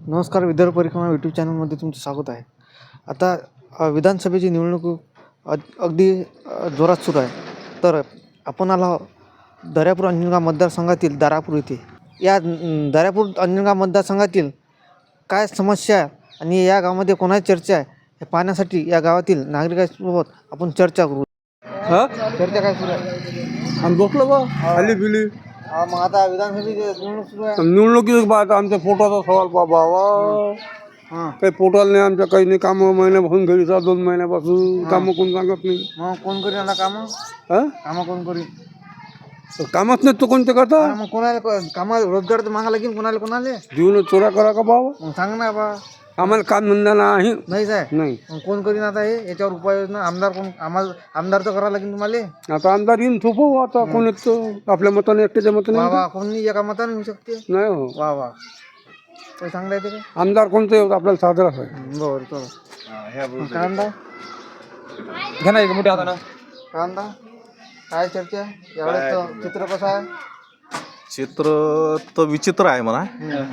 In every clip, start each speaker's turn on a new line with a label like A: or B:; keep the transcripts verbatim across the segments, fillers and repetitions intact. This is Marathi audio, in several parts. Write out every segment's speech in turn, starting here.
A: नमस्कार. विदर्भ परिक्रमा यूट्यूब चॅनलमध्ये तुमचं स्वागत आहे. आता अ, विधानसभेची निवडणूक अ अगदी अ, जोरात सुरू आहे. तर आपण आलो आहोत दर्यापूर अंजनगाव मतदारसंघातील दारापूर येथे. या अं, दर्यापूर अंजनगाव मतदारसंघातील काय समस्या आहे आणि या गावामध्ये कोणाची चर्चा आहे हे पाहण्यासाठी या गावातील नागरिकांसोबत आपण चर्चा करू.
B: हा
A: चर्चा काय सुरू आहे?
B: आणि बसलो बा खाली बिली
A: हा, मग आता विधानसभेची निवडणूक सुरू आहे.
B: निवडणुकीत बा आता आमच्या पोटाचा सवाल बाबा
A: हां,
B: काही पोटाला नाही आमच्या काही नाही कामं महिन्यापासून घरी जा दोन महिन्यापासून कामं कोण सांगत नाही
A: मग कोण करीन आता कामं?
B: हा
A: कामं कोण करीन?
B: तर कामच नाही तो कोणते करता
A: मग कोणाला कामाला रोजगार तर मागा लागेल कोणाला कोणाला.
B: जीवन चोऱ्या करा का बाबा
A: मग सांग ना बा.
B: आम्हाला काम धंदा नाही
A: नाहीच आहे.
B: नाही
A: मग कोण करीन आता हे याच्यावर उपाययोजना? आमदार कोण? आम्हाला आमदार तर करावं लागेल तुम्हाला.
B: आता आमदार येईन थोपो आता कोण येतं आपल्या मताने एकट्याच्या मताने
A: वा
B: येतं.
A: वा, कोणी एका मताने होऊ शकते.
B: नाही हो
A: वा वा, काही सांगता येते का?
B: आमदार कोणतं येतं आपल्याला साजराच आहे.
A: बरं चला. काय म्हणता?
B: घ्या ना एक मोठ्या हातानं
A: काय म्हणता? काय चर्चा यावेळेस? चित्र कसं आहे?
C: चित्र तर विचित्र आहे म्हणा.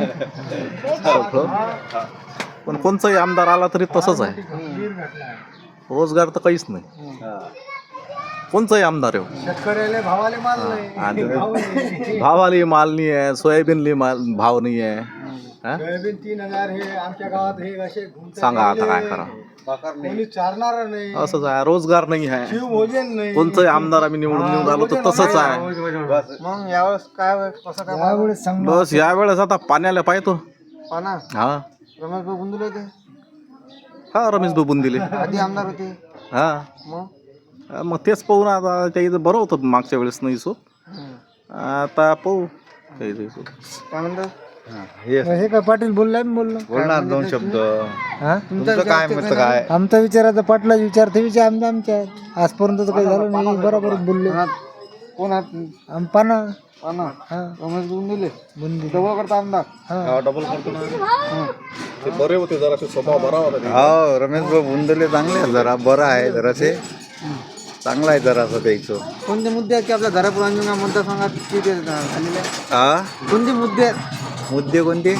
C: पण कोणचाही आमदार आला तरी तसंच आहे. रोजगार तर काहीच नाही. कोणचाही आमदार येऊ,
A: शेतकऱ्याला भावाले माल नाही.
C: आणि भावाली माल नाही आहे, सोयाबीनली माल भाव नाही आहे. हा?
A: तीन हजार हे आमच्या गावात हे असे
C: सांगा आता काय करा.
A: कोणी चालणार नाही.
C: असंच आहे, रोजगार नाही आहे.
A: भोजन नाही.
C: कोणचाही आमदार आम्ही निवडून निवडून आलो तर तसंच आहे.
A: मग यावेळेस काय कसं काय? यावेळेस सांग
C: बस यावेळेस आता पाण्याला पाहतो.
A: पाना.
C: हा
A: रमेश भाऊ गुंदुले होते,
C: हा रमेश बाबून दिले.
A: आधी आमदार होते.
C: हा
A: मग
C: मग तेच पाहू ना आता. त्या इथं बरं होतं मागच्या वेळेस नाही सो. आता पाहू काही नाही सो.
A: काय म्हणतात?
D: हे काय पाटील बोलला बोललो
C: बोलणार दोन शब्द.
A: तुमचं काय मत काय?
D: आमचा विचार आता पाटला विचार ते विचार आमचा आमच्या आजपर्यंत तर काही झालं नाही. बरोबर बोलले
A: कोण आहात?
D: आम पाना
A: पाना.
D: हा
A: रमेश गुंदुले
D: बुंदी
A: डबल करता आमदार.
D: हा
C: डबल करतो ना. ते बरे होते जरा स्वभाव बरा होता.
E: हो रमेश भाऊ बुंदले चांगले आहे, जरा बरं आहे जरासे चांगला आहे जरासं द्यायचं.
A: कोणते मुद्दे आहेत की आपल्या दर्यापूर अंजनगाव मतदारसंघात किती झालेले आहेत?
E: हा
A: कोणते मुद्दे आहेत?
E: मुद्दे कोणते?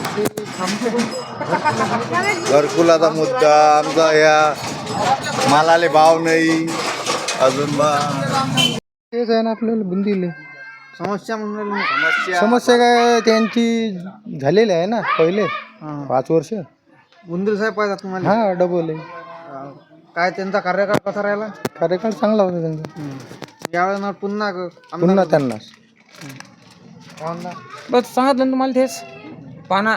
E: घरकुलाचा मुद्दा आमचा, या मालाले भाव नाही अजून बा
D: तेच आहे ना आपल्याला बुंदीले
A: समस्या म्हणून राहिली.
D: समस्या काय त्यांची झालेली आहे ना पहिले
A: हा.
D: पाच वर्ष.
A: गुंदुले साहेब पाहिजे तुम्हाला.
D: हा डबल आहे.
A: हा. काय त्यांचा कार्यकाळ कसा राहिला?
D: कार्यकाळ चांगला होता त्यांचा.
A: यावेळेस ना पुन्हा ग- आमदार
D: पुन्हा त्यांना
A: आमदार.
F: बस सांगितलं ना तुम्हाला तेच पाना.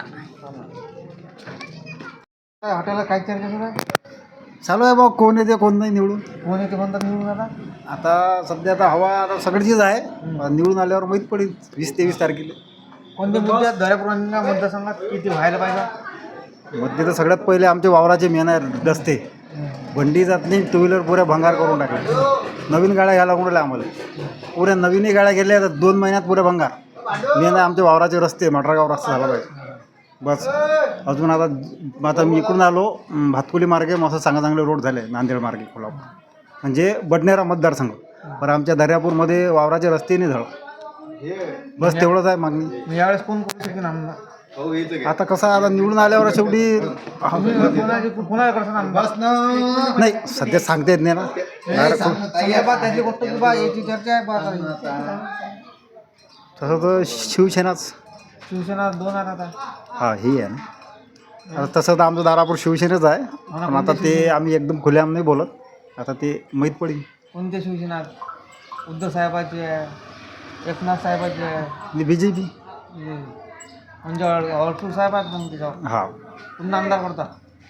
A: काय हॉटेलला काय चर्चा सुरू आहे?
D: चालू आहे बा कोण येते कोण नाही निवडून.
A: कोण येते म्हणतात निवडून आता?
D: आता सध्या आता हवा आता सगळीचीच आहे. निवडून आल्यावर माहीत पडेल वीस तेवीस तारखेला.
A: कोणते मुद्दे आहेत दर्यापूर अंजनगाव मतदारसंघात किती व्हायला पाहिजे?
D: मध्ये तर सगळ्यात पहिले आमचे वावराचे मेन आहे रस्ते. बंडी जात नाही, टू व्हीलर पुऱ्या भंगार करून टाकल्या. नवीन गाड्या घ्यायला लागून राहिल्या आम्हाला. पुऱ्या नवीनही गाड्या गेल्या तर दोन महिन्यात पुऱ्या भंगार. मेन आहे आमचे वावराचे रस्ते, मटरागाव रस्ता झाला पाहिजे बस. अजून आता आता मी इकडून आलो भातकुली मार्गे मस्त चांगले चांगले रोड झाले. नांदेड मार्गे कोल्हापूर म्हणजे बडनेरा मतदारसंघ. पण आमच्या दर्यापूरमध्ये वावराचे रस्ते नाही झालं. बस तेवढंच आहे मागणी.
A: यावेळेस कोण करू शकेन आमदार?
D: आता कसं आता निवडून आल्यावर शेवटी
A: कोणाची कोणाला करसान आमदार?
D: नाही सध्या सांगता येत नाही ना.
A: समजा बा त्याची गोष्ट की बा याची चर्चा आहे बा आता.
D: तसं तर शिवसेनाच.
A: शिवसेना दोन आहेत आता.
D: हा हे आहे ना. आता तसं तर आमचं दारापूर शिवसेनेच आहे. पण आता ते आम्ही एकदम खुल्याम नाही बोलत. आता ते माहीत पडेल.
A: कोणत्या शिवसेना आहेत? उद्धव साहेबाचे आहे, एकनाथ साहेबाचे आहे,
D: आणि बी जे पी.
A: हे म्हणजे अडसूळ साहेब आहेत मग त्याच्यावर
D: हा
A: पुन्हा आमदार करता.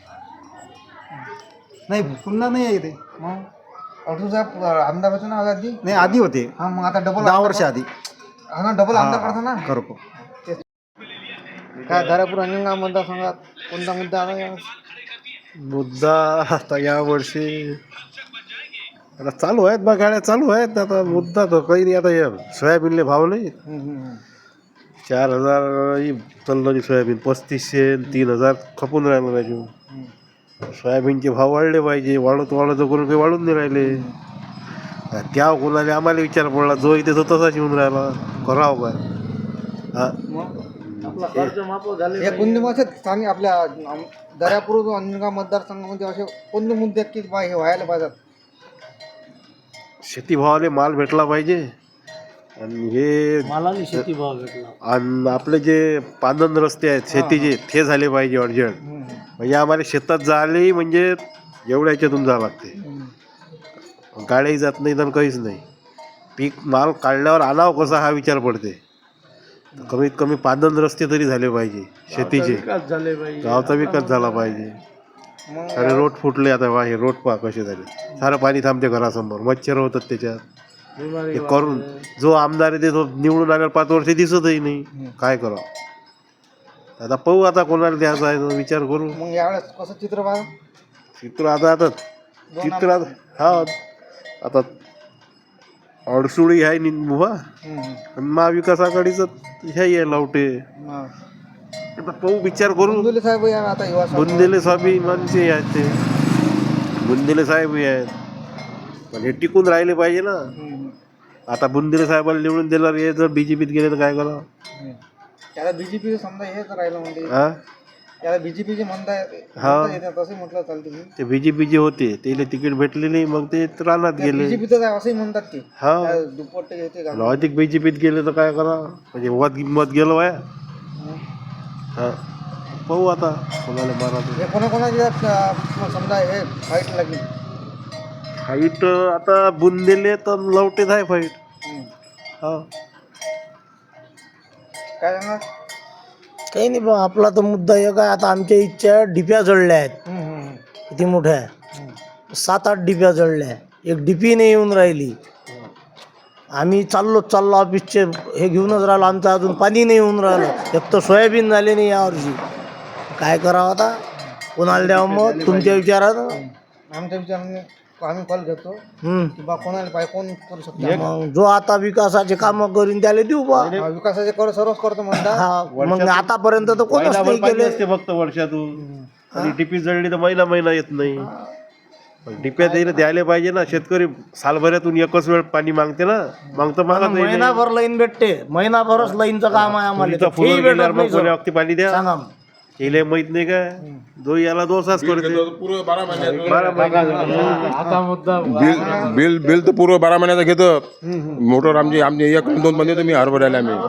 D: नाही पुन्हा नाही आहे ते.
A: मग अडसूळ साहेब आमदार होते ना आधी.
D: नाही आधी होते
A: हा मग आता डबल
D: दहा वर्ष आधी.
A: हा ना डबल आमदार करता ना.
D: करतो.
A: काय दर्यापूर अंजनगाव मतदारसंघात कोणता मुद्दा आला यावेळेस?
E: मुद्दा आता यावर्षी आता चालू आहेत बा गाड्या चालू आहेत. आता मुद्दा तर काही नाही. आता या सोयाबीनले भाव नाही. चार हजार चाललं सोयाबीन, पस्तीसशे तीन हजार खपून राहिलं पाहिजे. सोयाबीनचे भाव वाढले पाहिजे. वाढत वाढत करून काही वाढून नाही राहिले. त्या कोणाला आम्हाला विचार पडला जो इथे तो तसाच येऊन राहिला करावं काय. हा
A: या कोणते मग असे स्थानिक आपल्या आम- दर्यापूर अंजनगाव मतदारसंघामध्ये असे कोणते मुद्दे आहेत की बा हे व्हायला पाहिजेत?
E: शेतीभावाले माल भेटला पाहिजे आणि हे
F: मालाने शेती भाव भेटला.
E: आणि आपले जे पांदन रस्ते आहेत शेतीचे ते झाले पाहिजे अर्जंट. म्हणजे आम्हाला शेतात जायलाही म्हणजे एवढ्या ह्याच्यातून जावं लागते, गाड्याही जात नाही तर काहीच नाही. पीक माल काढल्यावर आणावं कसा हा विचार पडते. कमीत कमी पांदन रस्ते तरी झाले पाहिजे शेतीचे, गावचा विकास झाला पाहिजे. सारे रोड फुटले आता वा, हे रोड पहा कसे झाले, सारं पाणी थांबते घरासमोर, मच्छर होतात त्याच्यात. हे करून जो आमदार आहे ते तो निवडून आल्यावर पाच वर्ष दिसतही नाही. काय करावं आता, पाहू आता कोणाला द्यायचा आहे तो विचार करू.
A: मग यावेळेस कसं चित्र पाहा?
E: चित्र आता आता चित्र आता हा आता अडसुळी आहे निंबुवा आणि महाविकास आघाडीचं हे आहे लावटे. आता पाहू विचार करू.
A: बुंदुले साहेब या आता युवा संघ-
E: बुंदेले स्वाभिमानचे आहेत ते, बुंदेले साहेबही आहेत, पण हे टिकून राहिले पाहिजे ना.
A: हम्म.
E: आता बुंदेले साहेबाला निवडून दिल्यावर हे जर बीजेपीत गेले तर काय करावं?
A: हम्म. त्याला बीजेपी समजा हेच राहिलं म्हणजे
E: हा
A: त्याला बीजेपीचे म्हणताय
E: हा.
A: म्हणता येतं, तसं म्हटलं चालतं की
E: ते बीजेपी जे होते त्याला तिकीट भेटले नाही, मग ते रानात गेले.
A: बीजेपीचं आहे असंही म्हणतात ते.
E: हा
A: त्या दुप्पट येते का?
E: आणि अधिक बीजेपीत गेले तर काय करा, म्हणजे मत मत गेलं वाया. हा पाहू आता कोणाला मारायचं.
A: हे कोणाकोणाची आहेत का? समजा हे फाईट लागली.
E: फाईट आता बुंदेले तर लवटेच आहे फाईट.
A: हम्म.
E: हा
A: काय सांगा?
G: काही नाही बा, आपला तर मुद्दा एक आहे. आता आमच्या इच्छा डिप्या जळल्या आहेत,
A: हम्म, हम्म,
G: किती मोठ्या आहे, सात आठ डिप्या जळल्या. एक डिपी नाही येऊन राहिली. आम्ही चाललो चाललो ऑफिसचे हे घेऊनच राहिलो, आमचं अजून पाणी नाही येऊन राहिलं. एक तर सोयाबीन झाले नाही यावर्षी. काय करावं आता, कोणाला द्यावं मग तुमच्या विचारानं?
A: आमच्या विचाराने आम्ही कॉल घेतो
G: हम्म.
A: की बा कोणाला पाहिजे, कोण करू शकतो.
G: मग जो आता विकासाचे कामं करीन त्याला देऊ बा.
A: हा, विकासाचे कर सर्वच करतो म्हणतात.
G: हा, मग आतापर्यंत तर कोणच
E: महिनाभर
G: नाही
E: पाणी
G: केले.
E: असते फक्त वर्षातून, आणि टिपी जळली तर महिना महिना येत नाही. पण टिप्या त्याला द्यायला पाहिजे ना. शेतकरी सालभरातून एकच वेळ पाणी मागते ना, मग तर मागत नाही.
G: महिनाभर लाईन भेटते, महिनाभरच लाईनचं काम आहे आम्हाला.
E: तुरीचा फुलं
G: तेही भेटत
E: गेल्यावर
G: नाही
E: मग कोण्या
G: सर.
E: वक्ती पाणी द्या.
G: सांगा मग.
E: केले माहित नाही काय, जो याला दोषाच करते. बारा महिने
F: आता मुद्दा
B: बिल बिल बिल तर पूर्व बारा महिन्याचं घेतं. मोटर आमची आमची एक दोन महिने तुम्ही हरभऱ्याला आम्ही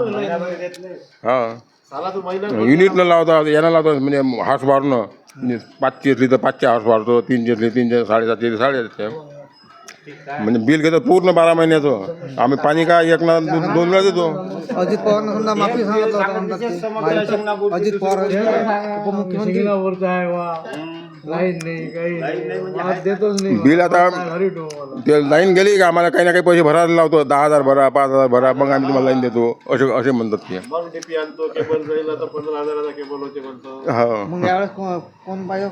B: हा युनिट न लावता यांना लावतो, म्हणजे हार्स बारनं पाचशे असली तर पाचशे हार्स बारतो, तीनशे असली तीनशे, साडेसातशे साडेसातशे, म्हणजे बिल घेतो पूर्ण बारा महिन्याचं. आम्ही पाणी काय एक ना दोन दोन वेळा देतो.
A: अजित पवारनं समजा माफी सांगितलं होतं म्हणतात ते. अजित पवार उपमुख्यमंत्री
F: लाईन नाही काही नाही. देतोच नाही.
B: बिल आता ते लाईन गेली का आम्हाला काही ना काही पैसे भरायला लावतो, दहा हजार भरा, पाच हजार भरा, मग आम्ही तुम्हाला लाईन देतो असे असे म्हणतात ते.
E: मग टिपी आणतो, केबल जाईल तर पंधरा हजाराचा केबल होते म्हणतो.
B: हा
A: मग यावेळेस को- कोण पाहिजे?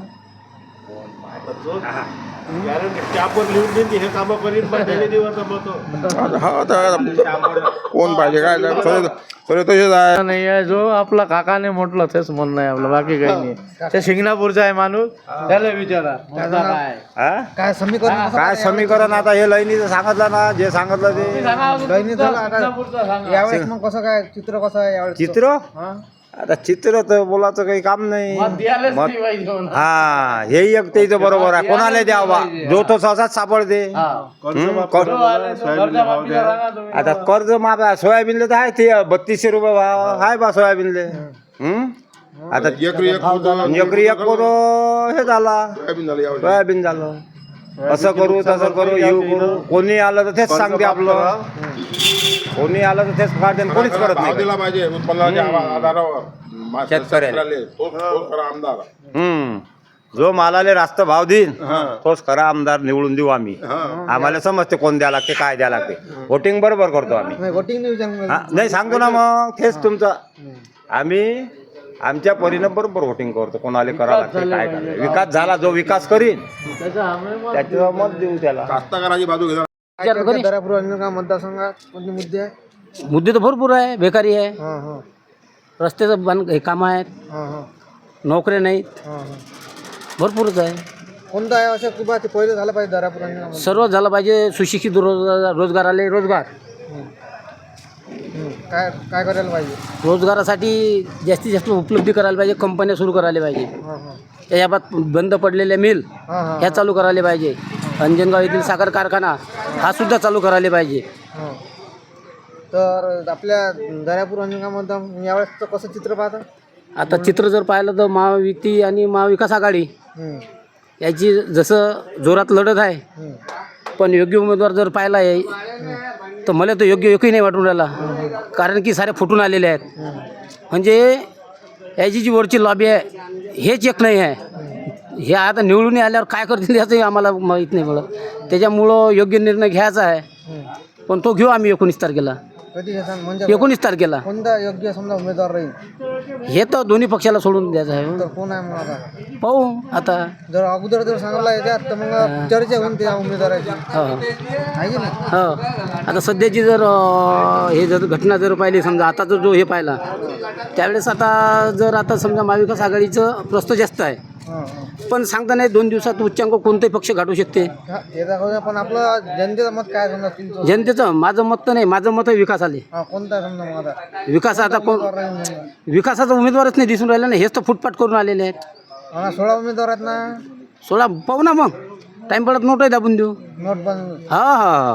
E: त्यावर लिहून देईन हे कामं करीन, पण त्याने दिवस मत.
B: आता हा आता कोण पाहिजे काय सगळे सगळे तसेच आहे.
F: नाही आहे, जो आपला काकाने म्हटलं तेच म्हणणं आहे आपलं, बाकी काही नाही. त्या शिंगणापूरचा आहे माणूस, त्याला विचारा मुद्दा काय आहे.
A: काय समीकरण कसं
D: काय समीकरण आता हे लाईनीचं सांगितलं ना, जे सांगितलं ते
A: दैनिक झालं आता.
F: शिंगणापूरचा सांगा.
A: यावेळेस मग कसं काय चित्र कसं आहे यावेळेस?
D: चित्र आता चित्र तर बोलायचं काही काम नाही.
F: मत द्यायलाच नाही पाहिजे म्हणा.
D: हा हे एक त्याचं बरोबर आहे, कोणाला द्यावा जो तो सहसाच सापडते.
F: हा.
D: हम्म, कर-
F: जो आले तो कर्जमाफीचा सांगा तुम्ही.
D: आता कर्ज माफ आहे. सोयाबीनले तर आहे ते बत्तीसशे रुपये भाव आहे बा सोयाबीनले. हम्म आता
B: एकरी एक होतं,
D: एकरी एक पोतो हे झाला,
B: सोयाबीन झालं यावर्षी.
D: सोयाबीन झालं. असं करू तसं करू येऊ करू, कोणी आलं तर तेच सांगते आपलं, कोणी आलं तर तेच काढते, कोणीच करत
B: भाव
D: नाही.
B: दिला पाहिजे उत्पन्नाच्या आधारावर मा-
D: शेतकऱ्याला.
B: तोच तोच खरा आमदार.
D: हम्म जो मालाले रास्त भाव देईन तोच खरा आमदार निवडून देऊ आम्ही. आम्हाला समजते कोण द्या लागते काय द्या लागते. वोटिंग बरोबर करतो आम्ही.
A: नाही वोटिंग नाही विचार.
D: हा, नाही सांगतो ना मग तेच तुमचं. आम्ही आमच्या परीनं बरोबर वोटिंग करतो, कोणाला करा लागते काय करायचं. विकास झाला जो विकास करीन
F: त्याचा आम्ही मत
D: त्याचं मत देऊ त्याला.
B: कास्तकाराची बाजू घेणार.
A: दर्यापूर अंजनगाव मतदारसंघात कोणते मुद्दे आहे?
H: मुद्दे तर भरपूर आहे. बेकारी आहे,
A: हां हां
H: रस्त्याचं बन हे कामं आहेत,
A: हां हां
H: नोकऱ्या नाहीत,
A: हां हां
H: भरपूरच आहे.
A: कोणतं आहे असं की बा ते पहिलं झालं पाहिजे दर्यापूर अंजनगाव?
H: सर्व झालं पाहिजे. सुशिक्षित रोज रोजगाराले रोजगार,
A: काय काय करायला पाहिजे?
H: रोजगारासाठी जास्तीत जास्त उपलब्धी करायला पाहिजे, कंपन्या सुरू करायला पाहिजे.
A: हां हां
H: त्याच्या बाबत बंद पडलेल्या मिल
A: हां हां
H: ह्या चालू करायला पाहिजे. अंजनगाव येथील साखर कारखाना हा सुद्धा चालू करायला पाहिजे.
A: हां. तर आपल्या दर्यापूर अंजनगावमध्ये यावेळेस कसं चित्र पाहता?
H: आता चित्र जर पाहिलं तर महायुती आणि महाविकास आघाडी
A: हं,
H: याची जसं जोरात लढत आहे,
A: हं,
H: पण योग्य उमेदवार जर पाहिला आहे तर मला तर योग्य एकही नाही वाटून राहिला. कारण की सारे फुटून आलेले आहेत. म्हणजे याची जी वरची लॉबी आहे हेच एक नाही आहे. हे आता निवडून आल्यावर काय करतील याचंही आम्हाला माहीत नाही मला. त्याच्यामुळं योग्य निर्णय घ्यायचा आहे,
A: हं.
H: पण तो घेऊ आम्ही एकोणीस तारखेला.
A: कधी घेसान म्हणजे
H: एकोणीस तारखेला
A: कोणता योग्य समजा उमेदवार राहील
H: हे तर दोन्ही पक्षाला सोडून द्यायचं आहे.
A: तर कोण आहे मग आता?
H: पाहू आता.
A: जर अगोदर जर सांगितलं याच्यात तर मग चर्चा होईल त्या उमेदवाराची,
H: हो
A: आहे की नाही?
H: हो आता सध्याची जर अं, हे जर घटना जर पाहिली, समजा आताचा जो हे पाहिला, त्यावेळेस आता जर आता समजा महाविकास आघाडीचं प्रस्त जास्त आहे,
A: हां हां
H: पण सांगता नाही दोन दिवसात उच्चांक कोणताही पक्ष गाठू शकते.
A: हा, ते दाखवूया. पण आपलं जनतेचं मत काय समजा तुमचं?
H: जनतेचं माझं मत तर नाही, माझं मत आहे विकास आले.
A: हा कोणता समजा मग आता
H: विकास आता कोण
A: राहील समजा?
H: विकासाचा उमेदवारच नाही दिसून राहिला ना. हेच तर फुटपाट करून आलेले आहेत.
A: हा सोळा उमेदवार आहेत ना.
H: सोळा पाहू ना मग, टाईम पडत नोटही दाबून देऊ.
A: नोट बंद
H: हा हा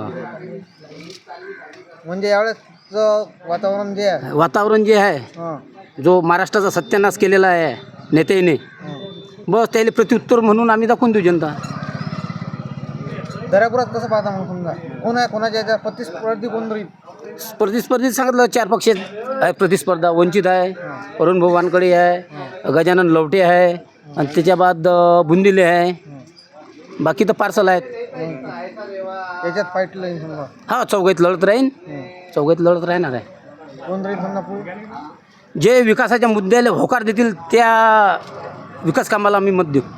A: म्हणजे यावेळेस वातावरण जे आहे,
H: वातावरण जे आहे,
A: हां
H: जो महाराष्ट्राचा सत्यानाश केलेला आहे नेत्याने, बस त्याला प्रत्युत्तर म्हणून आम्ही दाखवून देऊ जनता.
A: दर्यापुरात कसं पाहता मग समजा कोण आहे, कोणाच्या याच्या प्रतिस्पर्धी कोण राहील?
H: स्पर्धी स्पर्धीत सांगितलं चार पक्ष आहे प्रतिस्पर्धा. वंचित आहे, अरुण भाऊ वानकडे आहे, गजानन लवटे आहे, आणि त्याच्या बाद अं, बुंदिले आहे. बाकी तर पार्सल आहेत.
A: याच्यात फाईट राहील समजा
H: हा चौघात लढत राहीन, चौघात लढत राहणार आहे.
A: कोण राहील समजा पुढे?
H: जे विकासाच्या मुद्द्याला होकार देतील त्या विकास कामाला आम्ही मत देऊ.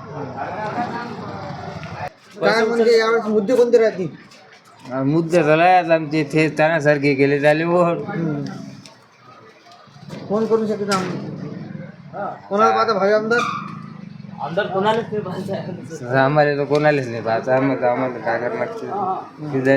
A: काय म्हणजे यावेळेस मुद्दे कोणते राहतील?
F: मुद्दे झालाय आमचे ते तानासारखे केले झाले वोट.
A: कोण करू शकते काम? कोणाला पाहता भावी आमदार?
F: आम्हाला तर कोणालाच नाही पाहता. आम्हाला आम्हाला काय करणार?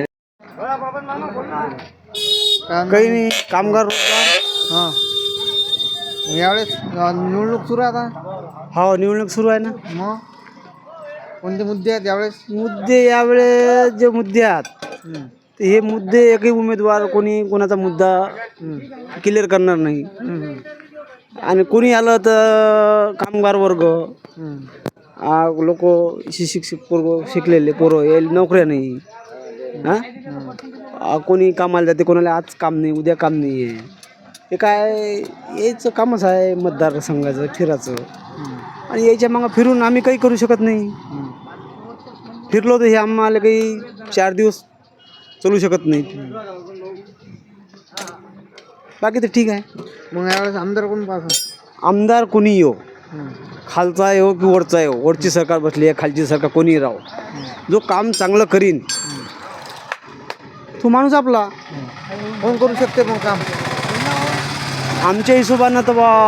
A: काही नाही, कामगार रोजगार. हां यावेळेस अं, निवडणूक सुरू आहे आता.
G: हो निवडणूक सुरू आहे ना.
A: मग कोणते मुद्दे आहेत यावेळेस?
G: मुद्दे यावेळेस जे मुद्दे आहेत ते हे मुद्दे एकही उमेदवार कोणी कोणाचा मुद्दा क्लिअर करणार नाही. आणि कोणी आलं तर कामगार वर्ग, लोक शिक्षित पोरं, शिकलेले पोरं यायला नोकऱ्या नाही. हां कोणी कामाला जाते, कोणाला आज काम नाही, उद्या काम नाही आहे. हे काय यायचं कामच आहे मतदारसंघाचं फिरायचं, आणि यायच्या मागं फिरून आम्ही काही करू शकत नाही. फिरलो तर हे आम्हाला काही चार दिवस चालू शकत नाही. बाकी तर ठीक आहे.
A: मग यावेळेस आमदार कोण पाहता?
G: आमदार कोणी येऊ, खालचा येऊ की वरचा येऊ, वरची सरकार बसली आहे, खालची सरकार कोणी राहो, जो काम चांगलं करीन तो माणूस आपला.
A: कोण करू शकते मग काम?
G: आमच्या हिशोबानं तर बा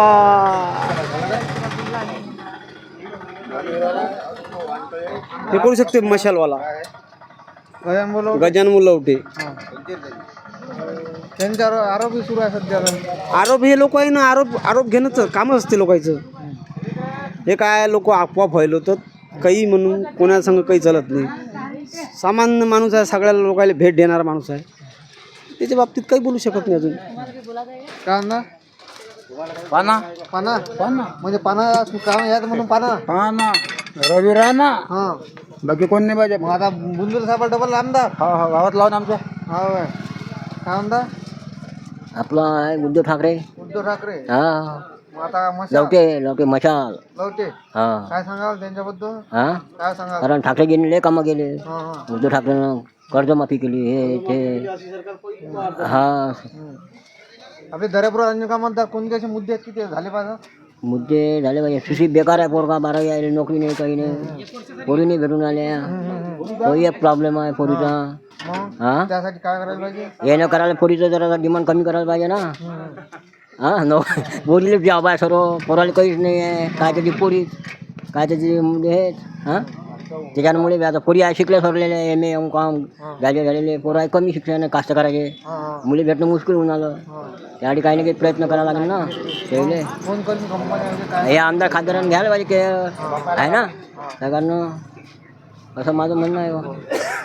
G: हे करू शकते मशालवाला
A: गजान बोलव.
G: गजानन मुलवटे.
A: त्यांच्यावर आरोपही सुरू आहे सध्या.
G: आरोप हे लोक आहे ना, आरोप आरोप घेणंच कामच असते लोकांचं. हे काय लोक अफवा फैलवतात काही म्हणून, कोणाला संग काही चालत नाही. सामान्य माणूस आहे, सगळ्या लोकांना भेट देणारा माणूस आहे, त्याच्या बाबतीत काही बोलू शकत नाही अजून.
A: काय ना
F: पाना
A: पाना पाना म्हणजे पाना काम यात म्हणून पाना
F: पाना रवी राणा
A: हां.
F: बाकी कोण नाही पाहिजे.
A: मग आता बुंदूर साहेब डबल आमदार.
F: हा हा गावात लावून आमच्या
A: हा काय काय आमदार?
H: आपला आहे उद्धव ठाकरे.
A: उद्धव ठाकरे.
H: हा
A: मग आता मशाल
H: लवटे लवटे मशाल.
A: लवटे.
H: हा
A: काय सांगाल त्यांच्याबद्दल?
H: हा
A: काय सांगाल?
H: कारण ठाकरे गेले कामं गेले.
A: हां हां
H: उद्धव ठाकरेनं कर्जमाफी केली हे ते. हा
A: आपले दर्यापूर अंजनगावात कोणते असे मुद्दे आहेत की ते झाले पाहिजे?
H: मुद्दे झाले पाहिजे. सुशिक्षित बेकार आहे पोरगा, बारावी आहे, नोकरी नाही, काही नाही, पोरी नाही भेटून आल्या. तोही एक प्रॉब्लेम आहे पोरीचा.
A: मग
H: हा
A: त्यासाठी काय करायला पाहिजे?
H: येणं करायला पोरीचं जरा डिमांड कमी करायला पाहिजे ना. हां नो पोरीला जॉब आहे सर्व, पोराला काहीच नाही आहे. काय त्याची पोरी, काय त्याची म्हणजे हे. हां
I: त्याच्यामुळे बी आता पोरी आहे शिकले सरलेले एम ए एम कॉम झाले झालेले पोरं आहे कमी शिक्षण आहे कास्तकाराचे मुली भेटणं मुश्किल होऊन आलं त्यासाठी काही ना काही प्रयत्न करावा लागेल ना त्यावेळे
A: फोन करून कंपन्या काय
I: हे आमदार खासदारांनी घ्यायला पाहिजे के आहे ना त्या कारण असं माझं म्हणणं आहे बा.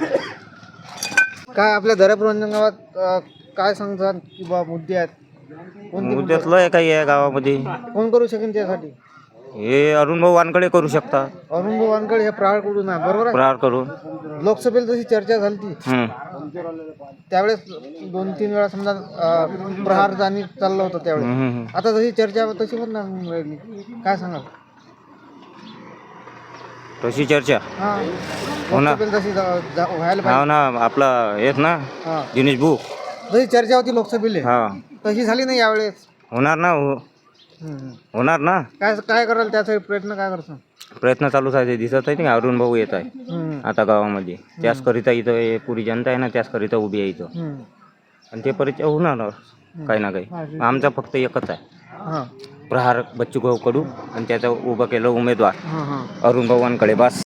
A: काय आपल्या दर्यापूर अंजनगावात अ, काय सांगतात की बा मुद्दे आहेत कोणते मुद्दे आहेत?
J: लय काही आहे गावामध्ये
A: कोण करू शकेल त्यासाठी
J: हे अरुण भाऊ वानकडे करू शकतात
A: अरुण भाऊ वानकडे हे प्रहारकडून आहे बरोबर आहे
J: प्रहार करून
A: लोकसभेला जशी चर्चा झाली ती
J: हम्म.
A: त्यावेळेस दोन तीन वेळा समजा अ, प्रहार जाणी चाललं होतं त्यावेळेस
J: हम्म, हम्म.
A: आता जशी चर्चा तशी पण नाही होऊन राहिली काय सांगाल
J: तशी चर्चा
A: हा
J: हो ना.
A: लोकसभेला जशी जा- जा- व्हायला
J: हा
A: पाहिजे
J: ना आपला हेच ना
A: हा
J: दिनेश बुक
A: जशी चर्चा होती लोकसभेला
J: हा
A: तशी झाली नाही यावेळेस
J: होणार ना हो-
A: हम्म, हम्म.
J: होणार ना
A: काय काय कराल त्यासाठी प्रयत्न काय करतो
J: प्रयत्न चालूच आहे ते दिसत आहे ना अरुण भाऊ येत आहे
A: हम्म,
J: आता गावामध्ये त्याचकरिता इथं हे पुरी जनता आहे ना त्याचकरिता उभी आहे इथं
A: हम्म.
J: आणि ते परिचय होणार काही ना काही आमचा फक्त एकच आहे
A: हा
J: प्रहार बच्चू भाऊ कडू आणि त्याचं उभं केलं उमेदवार
A: हा हा
J: अरुण भाऊंकडे बस